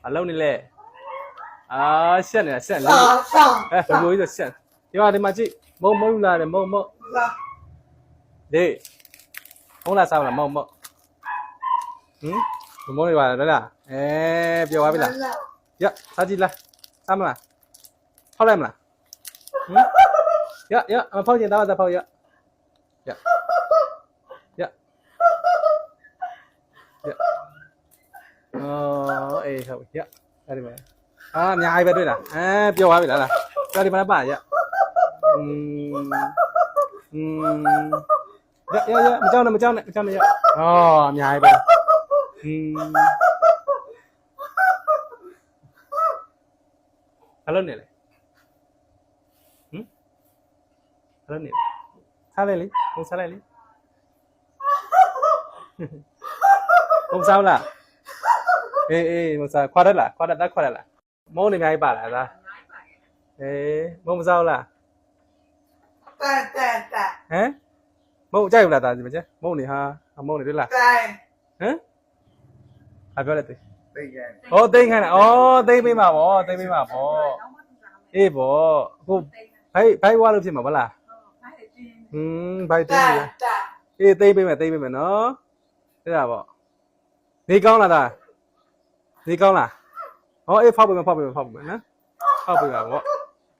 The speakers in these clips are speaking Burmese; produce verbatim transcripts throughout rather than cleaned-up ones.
လုံးနေလေအာရှက်နေတာရှက်နေအဲဘယ်လိုကြီးဆိုရှက်ဒီမှာဒီမှာကြည့်မုံမုံလာတယ်မုံမုံဒီမုံလာစားမလားမုံမုံဟင်ဘမုံနေပါလားလားအဲပြောပါပြီလားရစားကြည့်လားစားမလားဖောက်လိုက်မလားဟင်ရရမဖောက်ချင်တော့သာဖောက်ရရရရအော်အေးဟုတ်ရအဲ့ဒီမှာအာအများကြီးပဲတွေ့လားအဲပြောပါပြီလားလားပြောဒီမှာပါရอืมอืมရရရမကြောက်နဲ့မကြောက်နဲ့မကြောက်နဲ့ရအော်အများကြီးပဲอืมဘာလို့နေလဲဟမ်ဘာလို့နေလဲစားလိုက်လေဘုံစားလိုက်လေဘုံစားလားအေးအေးဘုံစားခွာတယ်လားခွာတယ်တက်ခွာတယ်လားမုံနေအများကြီးပါလားသားအေးမုံမစားလားတက်တက်တက်ဟမ်မုံကြိုက်ဘူးလားသားဒီမကျမုံနေဟာမုံနေတွေ့လားတိုင်ဟမ်အပြောလိုက်သေးသိရဩသိန်းခိုင်းတာဩသိန်းပေးမှာဗောသိန်းပေးမှာဗောအေးဗောအခုဘိုက်ဘိုက်ဝါလို့ဖြစ်မှာဗလားဟင်းဘိုက်သိန်းရအေးသိန်းပေးမယ်သိန်းပေးမယ်နော်အဲ့ဒါဗောနေကောင်းလားသားနေကောင်းလားဩအေးဖောက်ပေးမယ်ဖောက်ပေးမယ်ဖောက်ပေးမယ်နော်ဖောက်ပေးပါဗော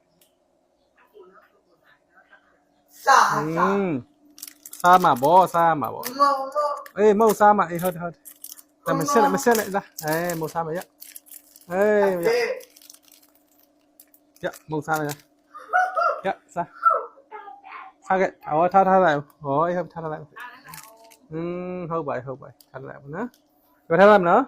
စားဟင်းစားမှာဗောစားမှာဗောမုံမုံအေးမဟုတ်စားမှာအေးဟုတ်တယ်ဟုတ်တယ်မဆက်နဲ့မဆက်နဲ့လားအေးမဟုတ်စားမှာရအေးရရမဟုတ်စားမှာရစားစားခဲ့အော်ထားထားလိုက်ဟောအေးဟုတ်ထားထားလိုက်อืมဟုတ်ပါဟုတ်ပါထားလိုက်ပါနော်ပြောထားလိုက်မနော်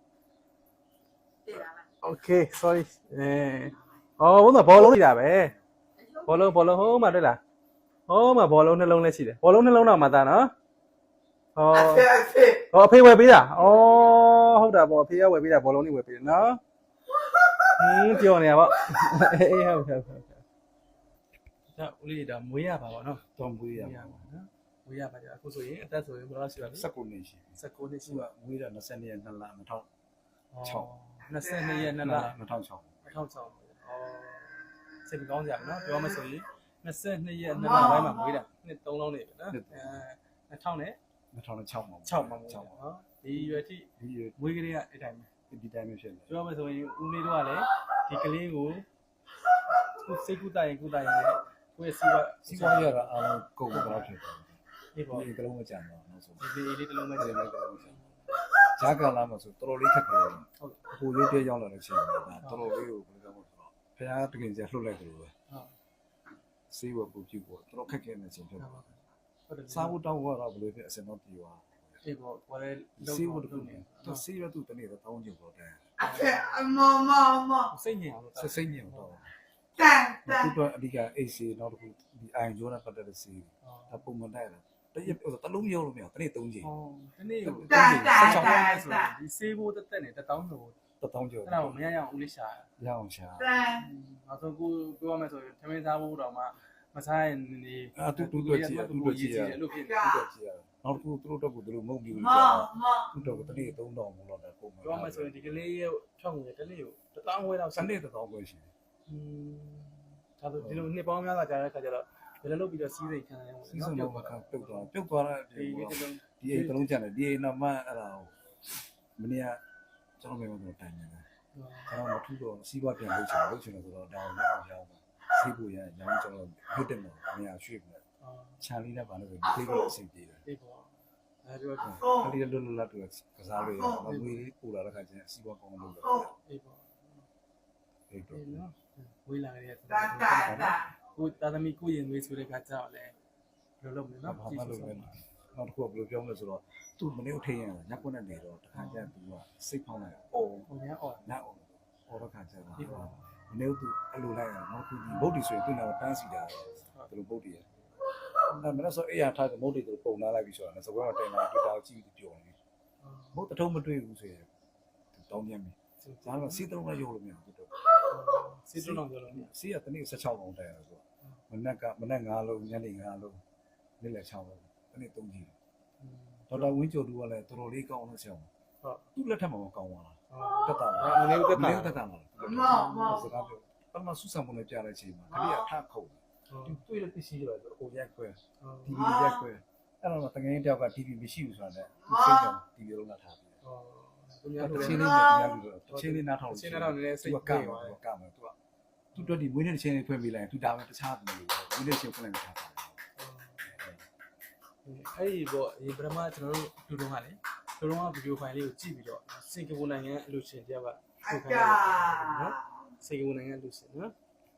โอเค sorry အဲအော်ဘုံတော့ဘောလုံးနေတာပဲဘောလုံးဘောလုံးဟိုးမှာတွေ့လားဟိုးမှာဘောလုံးနှလုံးလည်းရှိတယ်ဘောလုံးနှလုံးတော့မှသားနော်ဟောဟောအဖေဝယ်ပေးတာဩဟုတ်တာပေါ့အဖေကဝယ်ပေးတာဘောလုံးလေးဝယ်ပေးတယ်နော်ဟင်းပြောနေရပါအေးဟုတ်ဟုတ်ဟုတ်ဒါဦးလေးဒါမွေးရပါပေါ့နော်တော့မွေးရပါနော်မွေးရပါကြအခုဆိုရင်အသက်ဆိုရင်ဘယ်လောက်ရှိပါလဲ၁၉နှစ်ရှိ၁၉နှစ်ရှိပါမွေးတာ၂၂ရက်၂လ၂၀၀၆၂၂ရက်၂လ၂၀၀၆၂၀၀၆ဩစိတ်ကောင်းကြပါနော်ပြောမှဆိုရင်၂၂ရက်၂လပိုင်းမှာမွေးတာနှစ်သုံးလုံးနေပြီနော်အဲ၂၀၀၀နဲ့၂၀၀၆မှာ၆မှာမွေးတာနော်ဒီရွယ်ထိဒီရွယ်မွေးကလေးကအဲ့တိုင်းပဲဒီတိုင်းပဲဖြစ်နေပြောမှဆိုရင်ဦးလေးတို့ကလည်းဒီကလေးကိုခုစိတ်ကူးတိုင်ကူးတိုင်နဲ့ကိုယ့်ရဲ့စီးပွားစီးပွားရတာအားလုံးကုန်တော့ဖြစ်တယ်ဒီပေါ့ဒီကလုံးမကြံတော့နောက်ဆုံးဒီလေးတစ်လုံးမဲ့တယ်လည်းကတော့ဂျာကန်လာမှာဆိုတော်တော်လေးခက်ခဲတယ်ဟုတ်အခုရုပ်ပြရောက်လာတဲ့ချိန်မှာတော်တော်လေးကိုဘယ်လိုပြောမလဲဆိုတော့ဖခင်တကယ်ကြီးလှုပ်လိုက်တယ်လို့ပဲဟုတ်စေးဝပူပြူပေါ့တော်တော်ခက်ခဲနေချိန်ဖြစ်တယ်ဟုတ်တယ်စားဖို့တောင်းတော့ဘယ်လိုဖြစ်အစင်တော့ပြေသွားအေးပေါ့ဘာလဲစေးဝတခုနေသူစေးရသူတနေ့တော့တောင်းကြည့်ပေါ့တဲ့အမမမစိတ်ညစ်အောင်လို့စိတ်ညစ်အောင်တော့တန်တန်သူကအဓိကအေးစီနောက်တစ်ခုဒီအိုင်ဂျိုးနဲ့ပတ်သက်တဲ့စီးဒါပုံမှန်တိုက်တာတရက်တလုံးရုံးလို့မရတနေ့သုံးချိန်ဟောတနေ့ကိုသုံးချိန်ဆက်ချောင်းလဲဆိုဒီစေးဖို့တက်တက်နေတတောင်းလို့တတောင်းကျော်အဲ့ဒါကိုမရရအောင်ဦးလေးရှာရအောင်ရှာတန်နောက်ဆုံးကိုပြောရမယ်ဆိုရင်ထမင်းစားဖို့တော့မှမစားရင်နေအတူတူတော့ကြည့်တူတော့ကြည့်ရလို့ဖြစ်တူတော့ကြည့်ရနောက်တစ်ခုသူတို့တော့ကိုသူတို့မုံပြီးလို့ကြာသူတို့ကတနေ့သုံးတောင်မလို့တော့ပုံမှန်ပြောရမယ်ဆိုရင်ဒီကလေးရဲ့ဖြောင်းငွေတနေ့ကိုတတောင်းဝဲတော့စနေတတောင်းပဲရှိတယ်อืมဒါဆိုဒီလိုနှစ်ပေါင်းများစွာကြာတဲ့ခါကျတော့ဘယ်လိုလုပ်ပြီးတော့စီးစိမ်ခံရအောင်စီးစိမ်တော့ခံပြုတ်သွားပြုတ်သွားတဲ့ဒီဒီအိမ်တလုံးကျန်တယ်ဒီအိမ်တော့မှအဲ့ဒါမနေ့ကကျွန်တော်မိမတို့တိုင်နေတာကျွန်တော်မထူးတော့စီးပွားပြန်လုပ်ချင်လုပ်ချင်လို့ဆိုတော့ဒါကိုလည်းအောင်ရောက်ပါစီးဖို့ရရောင်းကျွန်တော်ဟိုတက်မှာနေရာရွှေ့ပြီးချန်လေးနဲ့ပါလို့ဒီလေးကိုအဆင်ပြေတယ်အေးပေါ့အဲဒါတော့ကလေးလွတ်လွတ်လပ်တူကစားလို့ရမမွေးပူလာတဲ့ခါကျရင်စီးပွားကောင်းလို့လုပ်တယ်အေးပေါ့အေးတော့နော်ဝေးလာရတဲ့တန်တန်တန်ကိုတာသမီကိုရင်ဝေးဆိုတဲ့ခါကျတော့လေဘယ်လိုလုပ်မလဲနော်ဘာမှလုပ်မလဲနောက်တစ်ခုကဘယ်လိုပြောမလဲဆိုတော့သူ့မနေ့ထိန်ရညက်ကွက်နဲ့နေတော့တခါကျသူကစိတ်ဖောင်းလိုက်အော်ဟိုညာအော်ညအော်အော်တော့ခါကျတော့မနေ့သူအဲ့လိုလိုက်ရတော့သူဒီဘုတ်တီဆိုရင်သူ့နောက်တန်းစီတာဘယ်လိုဘုတ်တီရအဲ့မနေ့ဆိုအေးရထားတဲ့မုတ်တီတို့ပုံလာလိုက်ပြီဆိုတာနဲ့စကွဲတော့တင်လာတွေ့တာကြည့်ပြီးပြောနေဘုတ်တထုံးမတွေ့ဘူးဆိုရင်တောင်းပြန်ပြီဒါတော့စီးတုံးလည်းရုပ်လို့မရဘူးတော့စီးတုံးတော့ပြောလို့စီးရတနေ့၁၆လုံးတိုင်ရဆိုမနက်ကမနက်၅လုံးညနေ၅လုံးနေ့လယ်၆လုံးတနေ့၃ကြီးဒေါက်တာဝင်းကျော်သူကလည်းတော်တော်လေးကောင်းလို့ဆရာဟုတ်သူ့လက်ထက်မှာမကောင်းပါလားတက်တာမနေဘူးတက်တာတက်တာမှာမမစကားပြောပထမဆူဆံပုံနဲ့ကြားတဲ့အချိန်မှာခလေးကထခုတ်သူတွေ့လို့သိရှိရတယ်ဆိုတော့ဟိုရက်ခွဲ တီဗီရက်ခွဲအဲ့တော့တကယ်တယောက်က တီဗီမရှိဘူးဆိုတာနဲ့သူစိတ်ကတီဗီလုံးလာထားပြီဟောသူများတတို့ချင်းလည်းလေးနဲ့တရားလူတော့တချင်းလေးနားထောင်ချင်းတော့နည်းနည်းစိတ်ကကမယ်သူကမယ်သူကသူတို့ဒီမွေးနေ့ချင်းလေးဖွင့်ပေးလိုက်သူဒါပဲတခြားဘူးလို့မွေးနေ့ချင်းဖွင့်လိုက်တာအဲ့ဒီပေါ့ဒီပထမကျွန်တော်တို့လူတုံးကလေလူတုံးကဗီဒီယိုဖိုင်လေးကိုကြည့်ပြီးတော့စင်ကာပူနိုင်ငံအလူရှင်တယောက်ကအထုတ်ခိုကာင်းတယ်နော်စင်ကာပူနိုင်ငံအလူရှင်နော်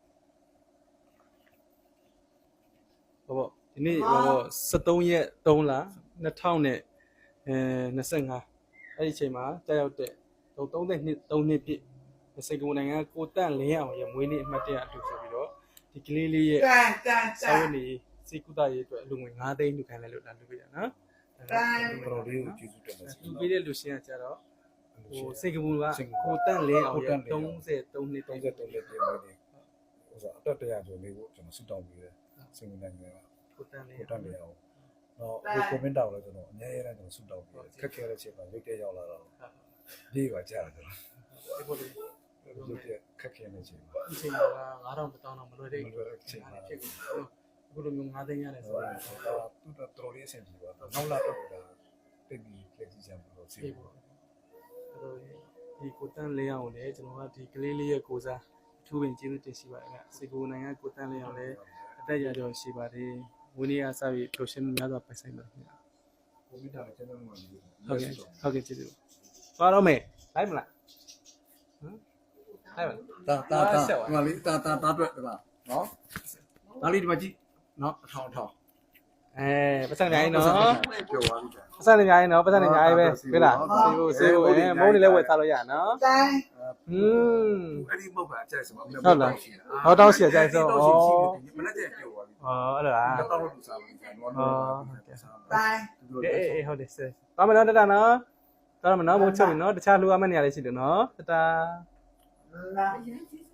ဟောပေါ့ဒီနေ့ဟောပေါ့စက်သုံးရက်သုံးလနှစ်ထောင်နဲ့အဲနှစ်ဆယ့်ငါအဲ့ဒီအချိန်မှာတက်ရောက်တဲ့သုံးနှစ်သုံးနှစ်ပြည့်စင်ကာပူနိုင်ငံကိုတန့်လင်းအောင်ရဲ့မွေးနေ့အမှတ်တရအတူဆိုပြီးတော့ဒီကလေးလေးရဲ့တန်တန်တစာန်ဝန်ကြီးစီကုသရေးအတွက်အလူငွေ၅သိန်းလူခိုင်းလိုက်လို့လာလူပေးရနော်တော်လေးကိုကျေးဇူးတင်ပါတယ်လူပေးတဲ့လူရှင်ကကြတော့ဟိုစင်ကာပူကကိုတန့်လင်းအောင်ရဲ့33နှစ် 33နှစ်ပြည့်မွေးနေ့ဟိုဆိုအတက်တရာကျော်လေးကိုကျွန်တော်ဆူတောင်းပြီးတယ်စင်နိုင်ငံကကိုတန့်လင်းကိုတန်းနေအောင်တော့ဒီကွန်မန့်တောက်လည်းကျွန်တော်အများကြီးလည်းကျွန်တော်ဆူတောင်းပြီးခက်ခဲတဲ့ချိန်မှာရိတ်တဲ့ရောက်လာတော့ဒီပါကြာတယ်ဒီပေါ်လေးရုပ်ပြခက်ခဲနေချိန်မှာဒီချိန်က9000တောင်းတော့မလွယ်သေးမလွယ်တဲ့ချိန်မှာဖြစ်ကုန်အခုလိုမျိုး၅သိန်းရတယ်ဆိုဆိုတော့တော့သူတို့တော်လေးအဆင်ပြေပါတော့နောက်လာတော့ကတိတ်ပြီးလက်ကြီးချမ်းလို့စီဒီပေါ်ဒီကိုတန့်လင်းအောင်လည်းကျွန်တော်ကဒီကလေးလေးရဲ့ကိုစားအထူးပင်ကျေးဇူးတင်ရှိပါတယ်ခင်ဗျစင်ကာပူနိုင်ငံကိုတန့်လင်းအောင်လည်းအသက်ရကျော်ရှိပါတယ်ဝင်းနေရစပြီးပရိုရှင်များစွာပိုင်ဆိုင်ပါတယ်ခင်ဗျကိုမိတာလည်းကျန်းကျန်းမာမာနေတယ်ဟုတ်ကဲ့ဟုတ်ကဲ့ကျေးဇူးသွားတော့မယ်လိုက်မလားဟမ်လိုက်မလားတာတာတာဒီမှာလေးတာတာတာတွေ့တယ်လားနော်ဒါလေးဒီမှာကြည့်နော်အထောင်အထောင်အဲပတ်စံနေနော်ပြောသွားပြီပတ်စံနေညာရင်နော်ပတ်စံနေညာရင်ပဲပြီလားစေဖို့စေဖို့အဲမုန်းနေလဲဝယ်စားလို့ရနော်တန်ဟွန်းအဲ့ဒီမဟုတ်ပါအကျိုက်စမဟုတ်လားဟောတောင်းစီအကြိုက်ဆုံးဩမနေ့ကပြောသွားပြီဩအဲ့လိုလားတော့တော့လူစားပြီနော်နော်တန်အေးအေးဟုတ်တယ်စေသွားမယ်နော်တတနော်သွားမယ်နော်ဘုံချုပ်ပြီနော်တခြားလူရမယ့်နေရာလေးရှိတယ်နော်တတလာအရင်ကြီး